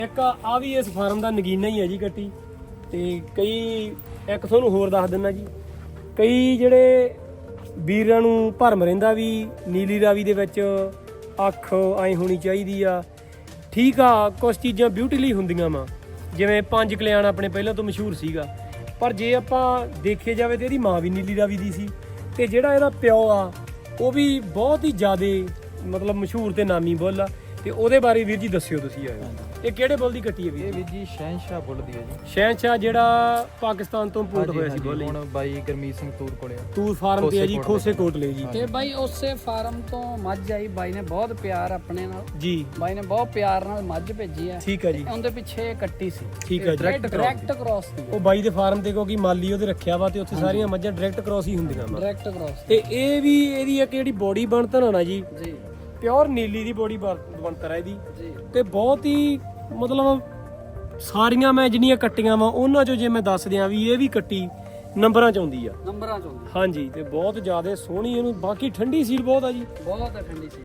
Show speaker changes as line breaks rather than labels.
ਇੱਕ ਆ ਵੀ ਇਸ ਫਾਰਮ ਦਾ ਨਗੀਨਾ ਹੀ ਹੈ ਜੀ ਕੱਟੀ। ਤੇ ਕਈ ਇੱਕ ਤੁਹਾਨੂੰ ਹੋਰ ਦੱਸ ਦਿੰਦਾ ਜੀ, ਕਈ ਜਿਹੜੇ ਵੀਰਾਂ ਨੂੰ ਭਰਮ ਰਹਿੰਦਾ ਵੀ ਨੀਲੀ ਰਾਵੀ ਦੇ ਵਿੱਚ ਅੱਖ ਐਂ ਹੋਣੀ ਚਾਹੀਦੀ ਆ। ਠੀਕ ਆ, ਕੁਛ ਚੀਜ਼ਾਂ ਬਿਊਟੀ ਲਈ ਹੁੰਦੀਆਂ ਵਾ, ਜਿਵੇਂ 5 ਕਲਿਆਣ ਆਪਣੇ ਪਹਿਲਾਂ ਤੋਂ ਮਸ਼ਹੂਰ ਸੀਗਾ, ਪਰ ਜੇ ਆਪਾਂ ਦੇਖੇ ਜਾਵੇ ਤੇ ਇਹਦੀ ਮਾਂ ਵੀ ਨੀਲੀ ਰਾਵੀ ਦੀ ਸੀ, ਤੇ ਜਿਹੜਾ ਇਹਦਾ ਪਿਓ ਆ ਉਹ ਵੀ ਬਹੁਤ ਹੀ ਜ਼ਿਆਦੇ ਮਤਲਬ ਮਸ਼ਹੂਰ ਤੇ ਨਾਮੀ ਬੁੱਲ ਆ। ਤੇ ਉਹਦੇ ਬਾਰੇ ਵੀਰ ਜੀ ਦੱਸਿਓ ਤੁਸੀਂ। ਇਹ ਕਿਹੜੇ ਬੁੱਲ ਦੀ ਕੱਟੀ ਹੈ ਵੀਰ?
ਇਹ ਵੀਰ ਜੀ ਸ਼ਹਿਨਸ਼ਾਹ ਬੁੱਲ ਦੀ ਹੈ ਜੀ।
ਸ਼ਹਿਨਸ਼ਾਹ ਜਿਹੜਾ ਪਾਕਿਸਤਾਨ ਤੋਂ ਇੰਪੋਰਟ ਹੋਇਆ ਸੀ ਬੁੱਲ,
ਹੁਣ ਬਾਈ ਗਰਮੀਤ ਸਿੰਘ ਤੂਰ ਕੋਲੇ ਆ।
ਤੂਰ ਫਾਰਮ ਤੇ ਹੈ ਜੀ, ਖੋਸੇ ਕੋਟਲੇ ਜੀ।
ਤੇ ਬਾਈ ਉਸੇ ਫਾਰਮ ਤੋਂ ਮੱਝ ਆਈ, ਬਾਈ ਨੇ ਬਹੁਤ ਪਿਆਰ ਆਪਣੇ ਨਾਲ
ਜੀ,
ਬਾਈ ਨੇ ਬਹੁਤ ਪਿਆਰ ਨਾਲ ਮੱਝ ਭੇਜੀ ਆ।
ਠੀਕ ਹੈ ਜੀ,
ਉਹਦੇ ਪਿੱਛੇ ਕੱਟੀ ਸੀ।
ਠੀਕ ਹੈ ਜੀ।
ਡਾਇਰੈਕਟ ਕ੍ਰਾਸ ਸੀ,
ਉਹ ਬਾਈ ਦੇ ਫਾਰਮ ਤੇ ਕਿਉਂਕਿ ਮਾਲੀ ਉਹਦੇ ਰੱਖਿਆ ਵਾ, ਤੇ ਉੱਥੇ ਸਾਰੀਆਂ ਮੱਝਾਂ ਡਾਇਰੈਕਟ ਕ੍ਰਾਸ ਹੀ ਹੁੰਦੀਆਂ ਵਾ।
Direct cross.
ਤੇ ਇਹ ਵੀ ਇਹਦੀ ਇੱਕ ਜਿਹੜੀ ਬੋਡੀ ਬਣਤਰ ਆ ਨਾ ਜੀ,
ਜੀ
ਪਿਓਰ ਨੀਲੀ ਦੀ ਬੋਡੀ ਬਣਤਰ ਹੈ ਇਹਦੀ।
ਜੀ
ਤੇ ਬਹੁਤ ਹੀ ਮਤਲਬ ਸਾਰੀਆਂ ਮੈਂ ਜਿੰਨੀਆਂ ਕੱਟੀਆਂ ਵਾ ਉਹਨਾਂ ਚੋਂ ਜੇ ਮੈਂ ਦੱਸ ਦਿਆਂ ਵੀ ਇਹ ਵੀ ਕੱਟੀ ਨੰਬਰਾਂ ਚ ਆਉਂਦੀ ਆ,
ਨੰਬਰਾਂ ਚ ਆਉਂਦੀ,
ਹਾਂਜੀ। ਤੇ ਬਹੁਤ ਜ਼ਿਆਦਾ ਸੋਹਣੀ, ਇਹਨੂੰ ਬਾਕੀ ਠੰਡੀ ਸੀਲ ਬਹੁਤ ਆ ਜੀ।
ਬਹੁਤ ਠੰਡੀ ਸੀ।